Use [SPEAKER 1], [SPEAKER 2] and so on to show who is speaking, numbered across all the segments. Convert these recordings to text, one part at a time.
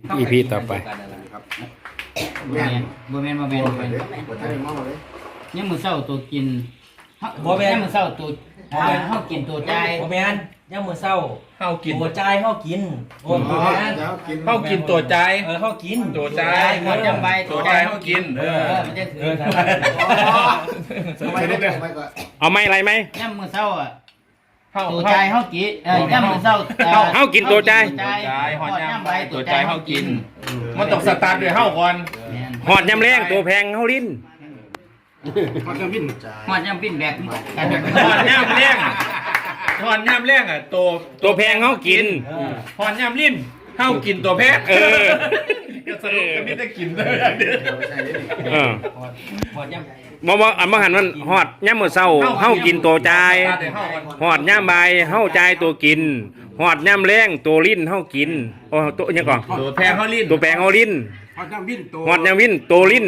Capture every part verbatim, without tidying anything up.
[SPEAKER 1] อีพีต่อไป
[SPEAKER 2] ครับ
[SPEAKER 3] โมเมนโมเมนโมเมน
[SPEAKER 2] บ่ได้บ่ได้มองเลย
[SPEAKER 3] ยังมือเศร้าตัวกิน
[SPEAKER 4] โมเมน
[SPEAKER 3] ยังมือเศร้าตัวอ่าเฮากินตัวใจ
[SPEAKER 4] โมเมนย่างมือเศร้า
[SPEAKER 5] เฮากิน
[SPEAKER 4] ตัวใจเฮากินโอ้โมเมน
[SPEAKER 5] เฮากินตัวใจ
[SPEAKER 4] เออเฮากิน
[SPEAKER 5] ตัวใจ
[SPEAKER 3] หมดจำใบ
[SPEAKER 5] ตัวใจเฮากิน
[SPEAKER 3] เอ
[SPEAKER 5] เอ
[SPEAKER 3] อ
[SPEAKER 5] อ
[SPEAKER 3] มันจะถื
[SPEAKER 4] เอ
[SPEAKER 3] อ
[SPEAKER 4] อทำไม
[SPEAKER 2] สมัยนี้สมัยก่อน
[SPEAKER 1] เอาไม่อะไรไหม
[SPEAKER 3] ยังมือเศร้าอ่ะ
[SPEAKER 5] เฮา
[SPEAKER 3] ตัวใจเฮากินเออยังมือเศร้า
[SPEAKER 1] เฮากินตัวใจ
[SPEAKER 3] หอดย่ำใบ
[SPEAKER 5] ตัวใจเฮากิน มันต้องสตาร์ทด้วยเฮาก่อน
[SPEAKER 1] หอดยำแรงตัวแพงเฮาลิ้น
[SPEAKER 2] มันก็วิ่ง
[SPEAKER 3] หอดย่ำปิ้นแบบกัน
[SPEAKER 5] หอนย่ำเลี้ยงหอนย่ำเลี้ยงอ่ะตัว
[SPEAKER 1] ตัวแพงเฮากิน
[SPEAKER 5] หอนย่ำลิ้นเฮากินตัวแพง
[SPEAKER 1] เออ
[SPEAKER 5] ก็สรุปก็มีแต่กินเลยอย่างเดียว
[SPEAKER 2] ใช่ดิ
[SPEAKER 1] เออ
[SPEAKER 3] หอดย่
[SPEAKER 1] บ่บ่อันบ่หันมันหอดยามมื้อเช้าเฮากินตัวใจายหอดยามบ่ายเฮาจ่ายตัวกินหอดยามแรงตัวลิ้นเฮากินโอ้ตัวอิหยังก่อน
[SPEAKER 5] ตัวแพงเฮาลิ้น
[SPEAKER 1] ตัวแพงเฮาลิ้น
[SPEAKER 2] พอจังวิ่งตัว
[SPEAKER 1] หอดยามวินตัวลิ้น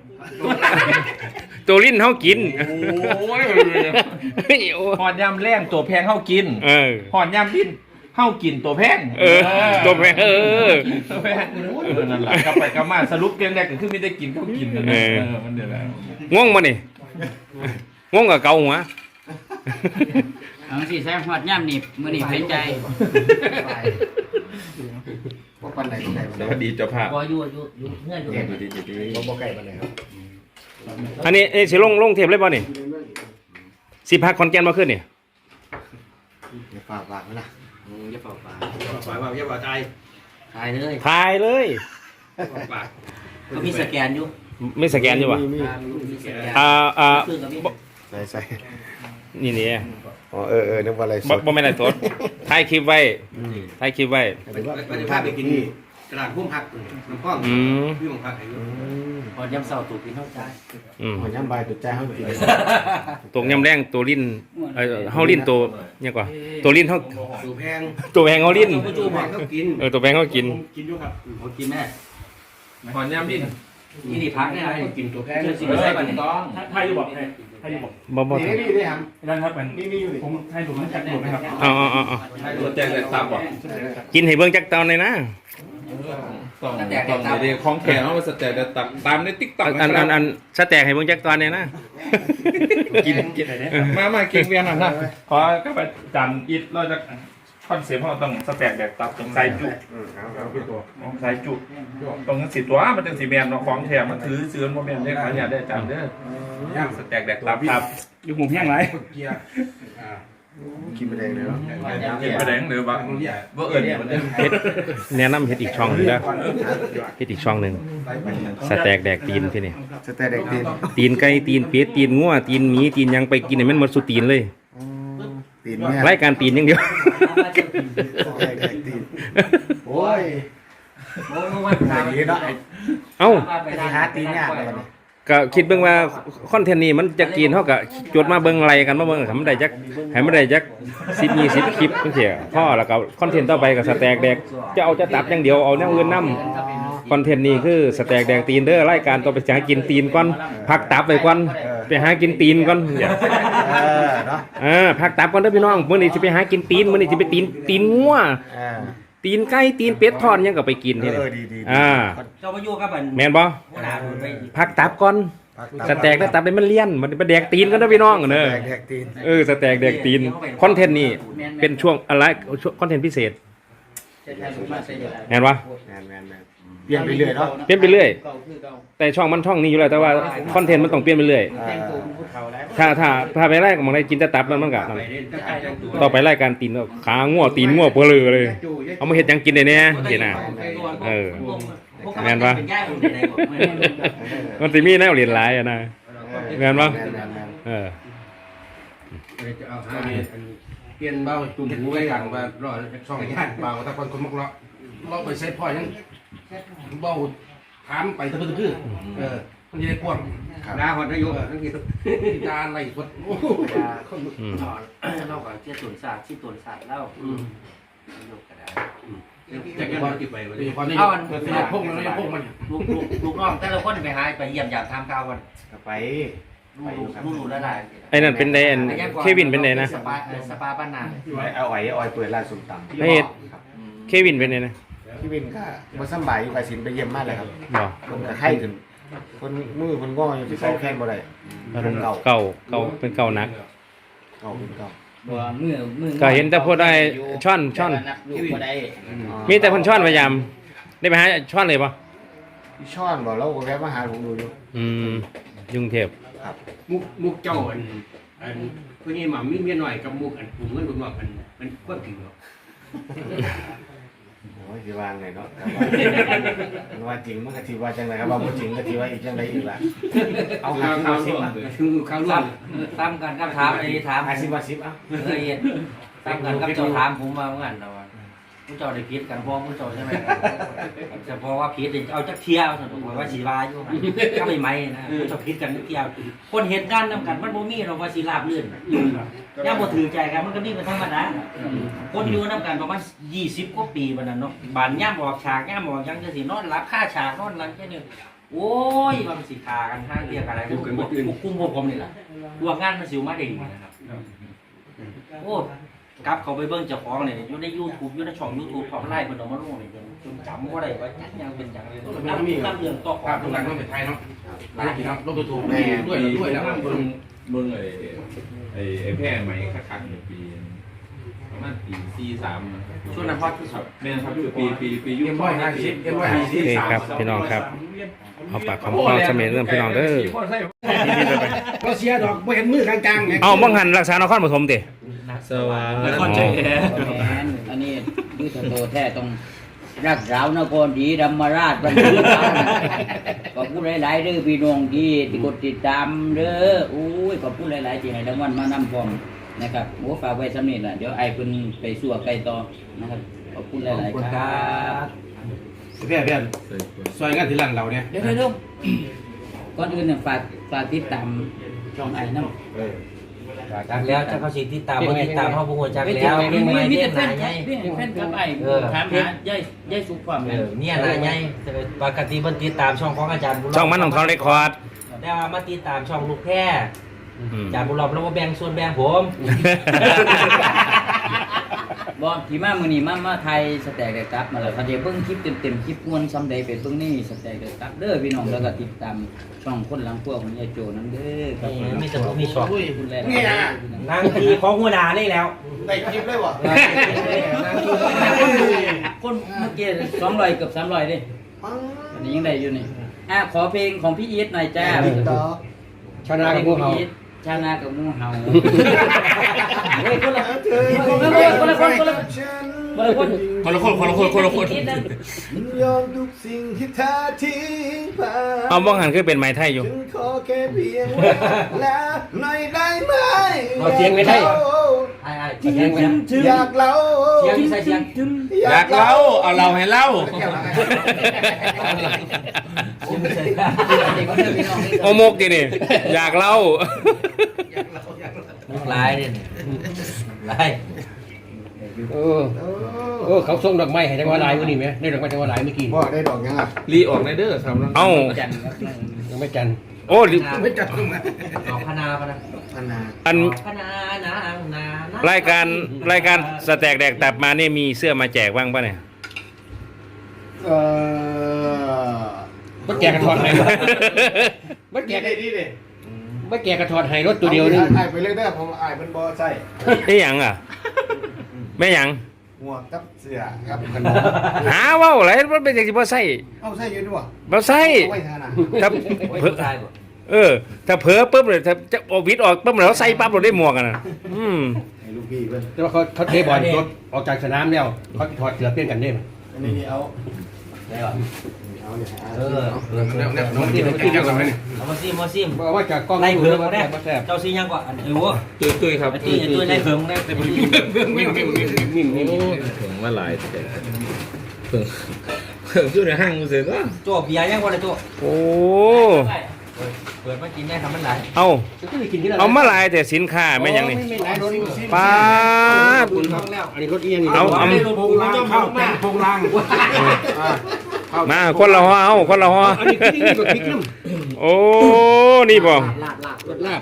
[SPEAKER 1] ตัวลิ้นเฮากิน
[SPEAKER 5] โอ้ย
[SPEAKER 1] เฮ้ยโอ้
[SPEAKER 5] หอนย่ำแรงตัวแพงเฮากิน
[SPEAKER 1] เออ
[SPEAKER 5] หอนย่ำลิ้นเฮากินตัวแพง
[SPEAKER 1] เออตัวแพงเออ
[SPEAKER 5] ตัวแพงเออนั่นแหละกลับไปกลับมาสรุปเพียงแรกก็คือไม่ได้กินเขากินนั่นแหละ
[SPEAKER 1] เออ
[SPEAKER 5] เออมันเดี๋ยวแหละ
[SPEAKER 1] ง่วงบ่นี่ง่วงกับเกาหัว
[SPEAKER 3] ำเอาสิแซมหอดย่ำนี่มื้อนี้เป็นใจ
[SPEAKER 2] พวกปันไหนก็ได้
[SPEAKER 5] สวัสดีเจ้าภาพ
[SPEAKER 3] บ่อยู่อยู่อยู่เพื่อนอยู่
[SPEAKER 5] สวัสดีเจ้าภาพ
[SPEAKER 2] บ่บ่ใกล้ปันไหนครับ
[SPEAKER 1] อันนี้นี่สิลงลงเทปเลยบ่นี่สิพักคอนแกนบ่ขึ้นนี่
[SPEAKER 2] อย่าฝากฝากนะ
[SPEAKER 4] อย่าฝ่าฝ่าฝ่าฝ่าอย่าฝ่าใจตายเลย
[SPEAKER 1] ถ่ายเลย
[SPEAKER 4] ฝ่าเขามีสแกนอยู่
[SPEAKER 1] ไม่สแกนอยู่วะ
[SPEAKER 2] มี
[SPEAKER 4] มีสแกน
[SPEAKER 1] อ่าอ่า
[SPEAKER 4] คือกับมี
[SPEAKER 2] ใส่ใส่
[SPEAKER 1] นี่นี่
[SPEAKER 2] อ๋อเออเออนึกว่าอะไรส
[SPEAKER 1] บ่
[SPEAKER 2] ด
[SPEAKER 1] บ่แม่นอะไรสดถ่ายคลิปไว้ถ่ายคลิปไว้
[SPEAKER 2] หรือว่า
[SPEAKER 4] ไปพาไปกินตลาดพุ่มผักน้ำข้อง
[SPEAKER 1] อืม
[SPEAKER 4] พี่ของผักอยู่พอย่ำเศร้าตูกินเท่าใจ
[SPEAKER 1] อืม
[SPEAKER 2] หัวย่ำใบตัวใจเขากิน
[SPEAKER 1] ตัวยำแรงตัวลิ้นเอ่อเฮาลิ้นตัวเนี่ยกว่า ตัวลิ้นเฮา
[SPEAKER 4] ตูแพง
[SPEAKER 1] ตัวแพงเฮาลิ้น
[SPEAKER 4] ตูแพงเขากิน
[SPEAKER 1] เออตัวแพงเฮากิน
[SPEAKER 4] กินอยู่ครับเขากินแม่
[SPEAKER 5] หอนย่ำลิ้น
[SPEAKER 4] นี่นี่พักเนี่ยนะกินตัวแพง
[SPEAKER 5] เอ
[SPEAKER 4] สิ
[SPEAKER 5] อ
[SPEAKER 4] ไม่ใช่ป่ะเนี่ย
[SPEAKER 5] ต้อง
[SPEAKER 6] ไทยอยู่บอกไทยไทยอยู่บอก
[SPEAKER 1] บ่บ่
[SPEAKER 2] นี่นี่นี่ครับ
[SPEAKER 6] นั่นครับเป็น
[SPEAKER 2] นี่นี่อยู่นี่
[SPEAKER 6] ผมไทยถูกมันจัดถูกไหมครับ
[SPEAKER 1] เอาเอาเอาเอา
[SPEAKER 5] ตัวแจกแต่ตับอ่ะ
[SPEAKER 1] กินให้เบิ่งจักตอนเลยนะ
[SPEAKER 5] ต้องต้องเดี๋ยวของแข็งเอามาสแตนแต่ตับตามในติ๊กต็อก
[SPEAKER 1] อันอันอันสแต็กให้เบิ่งจักตอนเลยนะ
[SPEAKER 5] กินกินอะไรเนี่ยมามากินเวียนหน่อยนะขอก็ไปจันอิดเราจะคอนเซ็ปต์เราต้องสแต็กแดกตับตรงไซจุ
[SPEAKER 2] อืมเอาเอาพี่ตัว
[SPEAKER 5] ของไซจุตรงนั้นสิตัวมันเป็นสีแมนเนาะของแถมมันถือเสือนโมเมนต์ได้ขายอยากได้จานเด้อย่างสแต็กแดกตับครับ
[SPEAKER 6] อยู่หมูแห้งไร
[SPEAKER 2] เกียร์อ่ากินไปแดงเลยเนาะ
[SPEAKER 5] เห็นไปแดงหรือว่าว่าเอิญมันเด้
[SPEAKER 1] เฮ็ดแนะนำเฮ็ดอีกช่องหนึงเด้อเฮ็ดอีกช่องหนึงสแต็กแดกตีนที่นี่
[SPEAKER 2] สเตย์แดงตีน
[SPEAKER 1] ตีนไก่ตีนเป็ดตีนงัวตีนหมีตีนหยังไปกินให้มันหมดสุดตีนเลย
[SPEAKER 2] ตีนเนี่ย
[SPEAKER 1] รายการตีนอย่างเดียว
[SPEAKER 2] สเตย์แดงตีนโอ้ย
[SPEAKER 4] โอ้วัน
[SPEAKER 2] อ
[SPEAKER 4] พา
[SPEAKER 2] ย่างนี้เนาะ
[SPEAKER 1] เอ้า
[SPEAKER 2] ไปหาตีนยากเลย
[SPEAKER 1] ก็คิดเบิ่งว่าคอนเทนต์นี้มันจะกินเฮาก็จดมาเบิ่งไล่กันมาเบิ่งให้มันได้จักให้มันได้จักสิบ ยี่สิบคลิปจังซี่พอแล้วก็คอนเทนต์ต่อไปก็สแต็กแดกจะเอาจะตับอย่างเดียวเอาแนวอื่นนํคอนเทนต์นี้คือสแต็กแดกตีนเด้อรายการต่อไปจะหากินตีนก่อนพักตับไว้ก่อนไปหากินตีนก่อน
[SPEAKER 2] เออเนาะ
[SPEAKER 1] เออพักตับก่อนเด้อพี่น้องมื้อนี้สิไปหากินตีนมื้อนี้สิไปตีนตีนงัว
[SPEAKER 2] อ่า
[SPEAKER 1] ตีนไก่ตีนเป็ดทอดหยังก็ไปกินที่นี่
[SPEAKER 2] เออดีดี
[SPEAKER 1] อ่า
[SPEAKER 4] เจ้ามาอยู่กับมัน
[SPEAKER 1] แม่นบ่
[SPEAKER 4] หนาไป
[SPEAKER 1] พักตับก่อนสแต็กแล้วตับได้มันเลี่ยนมันไปแดกตีนกันเด้อพี่น้องเด้อ
[SPEAKER 2] แดงแดงตีน
[SPEAKER 1] เออสแต็กแดกตีนคอนเทนต์นี้เป็นช่วงอะไรคอนเทนต์พิเศษแม่นบ่
[SPEAKER 2] แมนแมนแมนเปลี่ยนไปเรื่อยเนาะ
[SPEAKER 1] เปลี่ยนไปเรื่อยแต่ช่องมันช่องนี้อยู่แล้วแต่ว่าคอนเทนต์มันต้องเปลี่ยนไปเรื่อย
[SPEAKER 2] อ่า
[SPEAKER 1] ถ้าถ้าถ้าไปไล่ก็มองได้กินแต่ตับแล้วมันก็นั่นต่อไปไล่การตีนก็ขางัวตีนงัวเปลือเลยเอามาเฮ็ดหยังกินได้แน่เห็นน่ะเออแม่นบ่มันสิมีแนวเรียนหลายอ่ะนะแม่นบ่
[SPEAKER 2] แมนแมนแมน
[SPEAKER 1] เออ
[SPEAKER 7] เปลี่ยนเบาตุ่มหูไว้อย่างว่ารอช่องย่านเบาถ้าคนคนมักเลาะเลาะไปเซ็ตพ่อยังเบาถามไปตะพื้นตะพื้นเออมันจะได้กว้าง
[SPEAKER 4] ดาหอดนายกนั่นคือ
[SPEAKER 7] ที่จานอะไรคนโอ้โหคน
[SPEAKER 1] อืม
[SPEAKER 4] เล่าก่อนเชี่ยตุนศาสตร์ที่ตุนศาสตร์เล่า
[SPEAKER 7] จะกันว่ากี่ไปวะนี่พอนี่ยกพงมันยกพงมัน
[SPEAKER 4] ลูกลูกลูกน้องแต่ละคนไปหาไปเยี่ยมยามทำข่าวกัน
[SPEAKER 2] ไป
[SPEAKER 4] ลูกลูกลูกละลาย
[SPEAKER 1] ไอ้นั่นเป็นไดอันเควินเป็นไดนะ
[SPEAKER 4] สปาสปาบ้านนา
[SPEAKER 2] เอาไอ้ออยเปิดร้านส้มตำ
[SPEAKER 1] ให้เควินเป็นไดนะ
[SPEAKER 4] เ
[SPEAKER 2] พี่วินก็มาสบายอยู่กับสินไปเยี่ยมมากเลยครับ
[SPEAKER 1] บ่
[SPEAKER 2] คนก็ไข้ขึ้นคนมือคนง้ออยู่ที่เก่าแข้งบ่ได้คนเก่า
[SPEAKER 1] เก่าเก่าเป็นเก่านัก
[SPEAKER 2] เก่าเป็นเก่า
[SPEAKER 3] บ่มือมือ
[SPEAKER 1] ก็เห็นแต่พูดได้ช่อนช่อน
[SPEAKER 3] แต่ว่านับอยู่บ่ได้
[SPEAKER 1] มีแต่คนช่อนพยายามได้ไปหาช่อนเลยปะ
[SPEAKER 2] พี่ช่อนบอกแล้วก็แวะมาหาผมดูอยู่
[SPEAKER 1] อืมยุงเทพ
[SPEAKER 4] มุกมุกเจ้าอันอันผู้นี้หมามีเมียหน่อยกับมุกอันผู้เงินบุญว่ามันมันควบถึงหรอ
[SPEAKER 2] โอ้ยสิวางไงเนาะมันว่าจริงมันก็ทีว่าจังไรครับว่าบ่จริงก็ทีว่าอีกจังไรอีกล่ะเอาหา
[SPEAKER 4] ข้าว
[SPEAKER 2] สิบ
[SPEAKER 4] ข้าว
[SPEAKER 2] มาสิบ
[SPEAKER 4] ร่วม
[SPEAKER 2] อ่ะ
[SPEAKER 4] คือข้าวร่ว
[SPEAKER 3] ซ้
[SPEAKER 4] ม
[SPEAKER 3] ำซ้ำกันกับถามอันนี้ถาม
[SPEAKER 2] หาสิบมาสิบอ่ะ
[SPEAKER 3] เออเฮ็ดซ้ำกันกับเจ้าถามผมมาเหมือนกันนะว่าผู้เจ้าได้ผิดกันพ้องผู้เจ้าใช่ไหมจะพอว่าผิดเอาจักเที่ยวสนุกว่าสีวาอยู่ก็ไม่ไหมนะผู้เจ้าผิดกันจักเที่ยวคนเห็นงานนำกันมันบ่มีหรอกว่าสิราบรื่นย่าบ่ถือใจกันมันก็มีเป็นธรรมดาคนอยู่นำกันประมาณยี่สิบกว่าปีบัดนั้นเนาะบานย่ามออกฉากย่ามออกยังจะสินอนรับค่าฉากนอนหลังแค่นึงโอ้ยมันสิฆ่ากันทางเรียกอะไรพวกกุ้มพวกผมนี่ล่ะพวกงานมันสิมาได้ดีนะครับโอ้กลับเขาไปเบิ่งเจ้าของเนี่ยอยู่ใน YouTube อยู่ในช่อง YouTube เขาไล่เพิ่นเอามาลงนี่จนจำบ่ได้ว่าจักยังเป็นจังเลยนับนับเรื่องต่อข
[SPEAKER 7] ภา
[SPEAKER 3] อ
[SPEAKER 7] พ
[SPEAKER 3] ง
[SPEAKER 7] ตรงนั้นต้องเป็นไทยเนาะหลายทีเนาะลงถูก
[SPEAKER 2] แม่
[SPEAKER 7] ด้วยด้วยแล้ว
[SPEAKER 5] เบิ่งเบิ่งไอ้ไอ้ไอ้แพร่ไหมคักๆเนี่ยปีประมาณปีสี่สาม
[SPEAKER 3] ช่วงนั้นฮอตที่สุด
[SPEAKER 5] แม่นครับปีปีปียุ
[SPEAKER 7] เอ็
[SPEAKER 5] ค
[SPEAKER 7] มร้อยห้าสิบเอ็มร้อยห้า
[SPEAKER 1] โอ
[SPEAKER 7] สิบ
[SPEAKER 1] เคครับพี่น้องครับเอาปากคำข้อเสมอเรื่องพี่น้องเด้อดีๆไป
[SPEAKER 7] ก็เสียดอกไม่เห็นมือกลางๆไง
[SPEAKER 1] เอาบังหันรักษานครปฐมติสวัสดี
[SPEAKER 3] คนใจแท้อันนี้ยุทธโตแท้ต้องรักษานครศรีธรรมราชบรรทุกขอบคุณหลายๆเด้อพี่น้องที่กดติดตามเด้ออุ้ยขอบคุณหลายๆที่ให้รางวัลมานำพร้อมนะครับโอ้ฝากไว้สำนี้ล่ะเดี๋ยวไอ้เพิ่นไปสู้ไกลต่อนะครับขอบคุณหลายๆครับ
[SPEAKER 7] เพื่อนเพื่อนซอยงานที่ร้านเราเนี่ย
[SPEAKER 3] เดี๋ยวเดี๋ยวก่อนอื่นเนี่ยฝากฝากติดตามช่องไอ้น้ำ
[SPEAKER 8] จักแล้วจะเขาสิติดตามบ่ติดตามเขาบ่ฮู้จักแล้ว
[SPEAKER 3] มี
[SPEAKER 8] มี
[SPEAKER 3] มี
[SPEAKER 8] ไม้
[SPEAKER 3] มี
[SPEAKER 8] เด้
[SPEAKER 3] แต่
[SPEAKER 8] ง
[SPEAKER 3] แฟ
[SPEAKER 8] หน้าน ใหญ่
[SPEAKER 3] แฟนกับไอ้ถามหาย่ายย่ายสุขความ
[SPEAKER 8] เออเนี่ยหน้าใหญ่ปกติเพิ่นติดตามช่องของอาจารย์บุญรบ
[SPEAKER 1] ช่องมันของเขาเรคคอร์ด
[SPEAKER 8] แต่ว่ามาติดตามช่องลูกแพร่
[SPEAKER 1] อืม
[SPEAKER 8] อาจารย์บุญรอบแล้วบ่แบ่งส่วนแบ่งผม
[SPEAKER 3] บ่ที่มามื้อนี้มามาไทยสแต็กได้กลับมาแล้วเขาจะเบิ่งคลิปเต็มๆคลิปม่วนซ้ำใดไปเบิ่งนี่สแต็กได้กลับเด้อพี่น้องแล้วก็ติดตามช่องคนหลังพวกของยายโจนำเด้อครับ
[SPEAKER 8] มีสมุมีช็อต
[SPEAKER 3] คุณแล
[SPEAKER 2] นี่นะ
[SPEAKER 8] นางทีของหัวหน้านี่แล้ว
[SPEAKER 2] ได้คลิปเลยวะ
[SPEAKER 3] คนเมื่อกี้สองร้อยเกือบสามร้อยเด้อันนี้ยังได้อยู่นี่อ่ะขอเพลงของพี่อีทหน่อยจ้า
[SPEAKER 7] ชนะกับพวกเขา
[SPEAKER 3] ชนะกับงูเห่าเฮ้ยคนละคนละคนละคนคนละคนคนละคน
[SPEAKER 5] คนละคนคนละคนคนละคน
[SPEAKER 2] ยอมทุกสิ่งที่เธอทิ้งไป
[SPEAKER 1] เอาบังหันคือเป็นไม้ไทยอยู่
[SPEAKER 2] ฉันขอแค่เพียงว่าแล้วหน่อยได้ไหม
[SPEAKER 7] เอาเสียงไม่ได้
[SPEAKER 8] ไอ้ๆเสียงไว้นะ
[SPEAKER 2] อยากเล่า
[SPEAKER 8] เสียงใส่เสียง
[SPEAKER 5] อยากเล่าเอาเราให้เล่า
[SPEAKER 1] โอมกดินี่อยากเล่า
[SPEAKER 8] มุกหลายนี่หลาย
[SPEAKER 7] เออเออเขาส่งดอกไม้ให้จังหวัดหลายวันนี้ไหมได้ดอกไม้จังหวัดหลายเมื่อกี้
[SPEAKER 2] พ่อได้ดอกยังอ่ะ
[SPEAKER 5] รีออกในเด้อครับ
[SPEAKER 1] เอ้า
[SPEAKER 3] จันครับ
[SPEAKER 7] ยังไม่จัน
[SPEAKER 1] โอ้ลิ
[SPEAKER 7] ไม่จันตรงไหน
[SPEAKER 8] เอาคณะพะนะ
[SPEAKER 2] พันนา
[SPEAKER 1] อัน
[SPEAKER 8] คณะนางนาร
[SPEAKER 1] ายการรายการสแต็กแดกตับมานี่มีเสื้อมาแจกบ้างป่ะเนี่ย
[SPEAKER 2] เออ
[SPEAKER 7] มันแกกระถอดไห้มันแก
[SPEAKER 2] แกได้ดีดิ
[SPEAKER 7] มันแกกระถอดไห้รถตัวเดียวนึง
[SPEAKER 2] ไอ้ไปเรื่อยๆผมไอ้เป็นบอใส่
[SPEAKER 1] ไอ้หยังอ่ะแม่หยัง
[SPEAKER 2] หมวกกับเสื้อครับขนม
[SPEAKER 1] หาเว้าอะไรมันเป็นอย่างที่บ่ใส่
[SPEAKER 2] เอาใส่ยืนด้วย
[SPEAKER 1] บ่ใส่
[SPEAKER 2] ไว้ทานะ
[SPEAKER 1] ถ้า
[SPEAKER 8] โอ้ย
[SPEAKER 1] เผลอ
[SPEAKER 8] ผู้ชายบ่
[SPEAKER 1] เออ ถ้าเผลอปุ๊บเลยถ้าจะเอาวิทย์ออกปุ๊บแล้วใส่ปั๊บเราได้หมวกกันน่ะอืม
[SPEAKER 2] ให้ลูกพี่เพื่อน
[SPEAKER 7] แต่ว่าเขาเขาเทบอลรถออกจากสนามแล้วเขาถอดเสื้อเปลี่ยนกันได้
[SPEAKER 2] อันนี้เอา
[SPEAKER 8] ได้ก่อน
[SPEAKER 2] เอาเนี่ย
[SPEAKER 8] เออ
[SPEAKER 7] เนี่ยเนี่ยน้องที่เขาที่เจ้าสมัยนี่
[SPEAKER 8] เอามาซิมมาซิม
[SPEAKER 7] บอกว่าจากกล้อง
[SPEAKER 8] ไล่เพิง
[SPEAKER 7] มา
[SPEAKER 8] ได้
[SPEAKER 7] แซ่บ
[SPEAKER 8] เจ้าซียังกว่าอันเอว
[SPEAKER 5] ตุ้ยตุ้ยครับ
[SPEAKER 8] ไอ้ตุ้ยไอ้ตุ้ยไล่เพิงได้เป็น
[SPEAKER 7] มิ่งมิ่งมิ่งมิ่งมิ่งมิ่ง
[SPEAKER 5] ถึงมาหลายแต่เพิ่งเพิ่งอยู่ในห้างเสร็จแล้ว
[SPEAKER 8] โจ้เบียร์ยังบ่ได้โจ้
[SPEAKER 1] โอ้
[SPEAKER 8] เปิดมากินได้ทำมันหลาย
[SPEAKER 1] เอา
[SPEAKER 7] จะต้องไปกินที่ไหน
[SPEAKER 1] เอามาหลายแต่สินค้าแม่นหยังนี่
[SPEAKER 7] ไม่ไม่หลายรถ
[SPEAKER 1] ป้าด
[SPEAKER 7] คุณท้องแล้วอันนี้รถเอียงนี่
[SPEAKER 1] เอาเอา
[SPEAKER 7] โปงลางข้าวแป้งโปงลาง
[SPEAKER 1] มาคนละหัวเอาคนละหัว
[SPEAKER 7] อันนี้คือนี่แบบพริกน้
[SPEAKER 1] โอ้นี่บ่
[SPEAKER 7] ำลาบลาบรถลาบ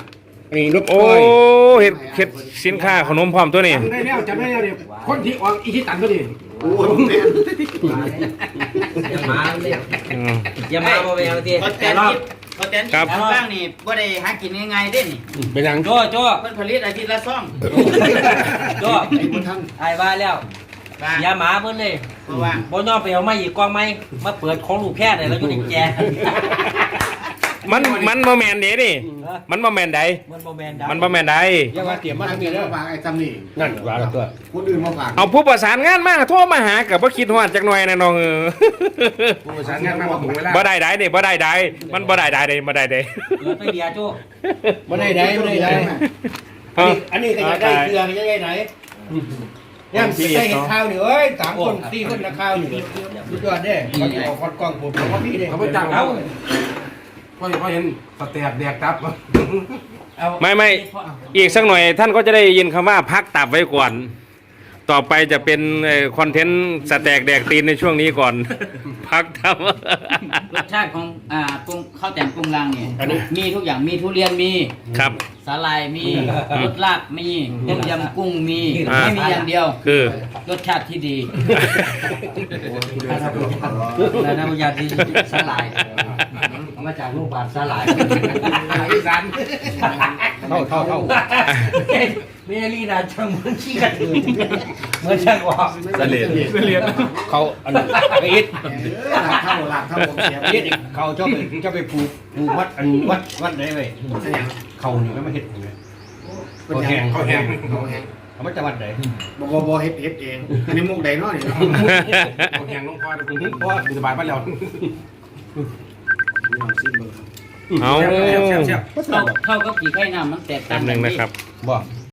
[SPEAKER 4] อันนี้รบ
[SPEAKER 1] โอ้
[SPEAKER 4] ก้อย
[SPEAKER 1] เฮ็ดเฮ็ดสินค้าขนมพร้อมตัวนี้
[SPEAKER 7] จำได้แล้วจำได้แล้วเดี๋ยวคนที่ออกอีที่ตันก็ดีโอ้ยแม่
[SPEAKER 8] อย่ามาเลย
[SPEAKER 1] อืม
[SPEAKER 8] อย่ามาบ่ไปเอาที
[SPEAKER 9] เขาแตนกินเขาแตนกินทางบ้างนี่บ่ได้หากินง่ายๆเด้นี่
[SPEAKER 4] เป็นหยัง
[SPEAKER 8] โจ้โจ้
[SPEAKER 9] เพิ่นผลิตอาทิตย์ละซ่อง
[SPEAKER 8] โจ้ไอ้ว่าแล้ว
[SPEAKER 9] บ้า
[SPEAKER 8] อย่ามาเพิ่นเลย
[SPEAKER 9] เพราะว่า
[SPEAKER 8] บ่ยอมไปเอามาอีกกองไม้มาเปิดของลูกแพทย์เลยแล้วอยู่ในแจ
[SPEAKER 1] มันมันบ่แม่นเด้นี่มันบ่แม่นใด
[SPEAKER 8] มันบ่แม่นดา
[SPEAKER 1] มันบ่แม่นใด
[SPEAKER 4] อย่ามาเตรียมมาทางนี้
[SPEAKER 2] แล้
[SPEAKER 4] แล้ว ว
[SPEAKER 2] ฝากไอ้จำนี่
[SPEAKER 4] นั่นว่าแล้วตัว
[SPEAKER 2] คนอื่นมาฝาก
[SPEAKER 1] เอาผู้ประสานงานมาโทรมาหากับบ่คิดฮอดจักหน่อยนะน้องเออ
[SPEAKER 7] ผู้ประสานงานมาบอกผมเวลา
[SPEAKER 1] บ่ได้ใดเด้บ่ได้ใดมันบ่ได้ใดเด้บ่ได้เด้
[SPEAKER 8] เปิดไปเบียร์โจ้
[SPEAKER 4] บ่ได้ได้บ่ได้ได้
[SPEAKER 1] เอ้า
[SPEAKER 4] อันนี้ก็จะได้เครือก็จะได้ไหนย่างได้เห็นข้าวนี่เอ้ยสามคนสี่คนนะข้าวนี่สุดยอดเด้เขาจะออกคอนกล้องผมเขาก็พี่เด้
[SPEAKER 7] เขาไปจ้างเขาเพราะเขาเห็นสเต็กแดกตับ
[SPEAKER 1] ไม่ไม่อีกสักหน่อยท่านก็จะได้ยินคำว่าพักตับไว้ก่อน ต่อไปจะเป็นคอนเทนต์สแต็กแดกตีนในช่วงนี้ก่อน พักตับ
[SPEAKER 9] รสชาติของอ่าปรุงข้าวแต่งปรุงรังเนี่ยมีทุกอย่างมีทุเรียนมี
[SPEAKER 1] ครับ
[SPEAKER 9] สาลายมีรสลาบมีต้มยำกุ้งมี
[SPEAKER 1] อ่า
[SPEAKER 9] ไม่มีอย่างเดียว
[SPEAKER 1] คือ
[SPEAKER 9] รสชาติที่ดี
[SPEAKER 8] แล้วน้ำยาที่สลายเอามาจากโรงพยาบาลสลาย
[SPEAKER 7] อีสาน
[SPEAKER 4] เท่าเท่าเท่า
[SPEAKER 8] เมลีนาจังเหมือนขี้กระตือเหมือนช่างว่า
[SPEAKER 5] เสลียดเสลียด
[SPEAKER 4] เขาอันนั้นไอ้อิด
[SPEAKER 2] หลักเท่าหลักเท่าผมเสีย
[SPEAKER 4] อิดเขาเจ้าไปเจ้าไปผูกผูกวัดอันวัดวัดไหนเว้ยเขานี่ก็มาเฮ็ดนี่เว้ย
[SPEAKER 2] เขาแหงเขาแหงเขาแหง
[SPEAKER 4] เขามาจากวัดไหน
[SPEAKER 2] บ่บ่บ่เฮ็ดเฮ็ดเองอันนี้มุกใดเนาะนี่
[SPEAKER 7] เขาแหงลงคอคุณพ่อสบายบ้านเรา
[SPEAKER 1] เอา
[SPEAKER 7] เสียบเสียบ
[SPEAKER 9] เท่าเท่ากับกี่ไข่น้ำมันแตก
[SPEAKER 1] แป๊
[SPEAKER 9] ต่าง
[SPEAKER 1] บห
[SPEAKER 9] กั
[SPEAKER 1] นึ
[SPEAKER 9] น
[SPEAKER 1] ง
[SPEAKER 9] นี่
[SPEAKER 1] นะครับ
[SPEAKER 4] บ่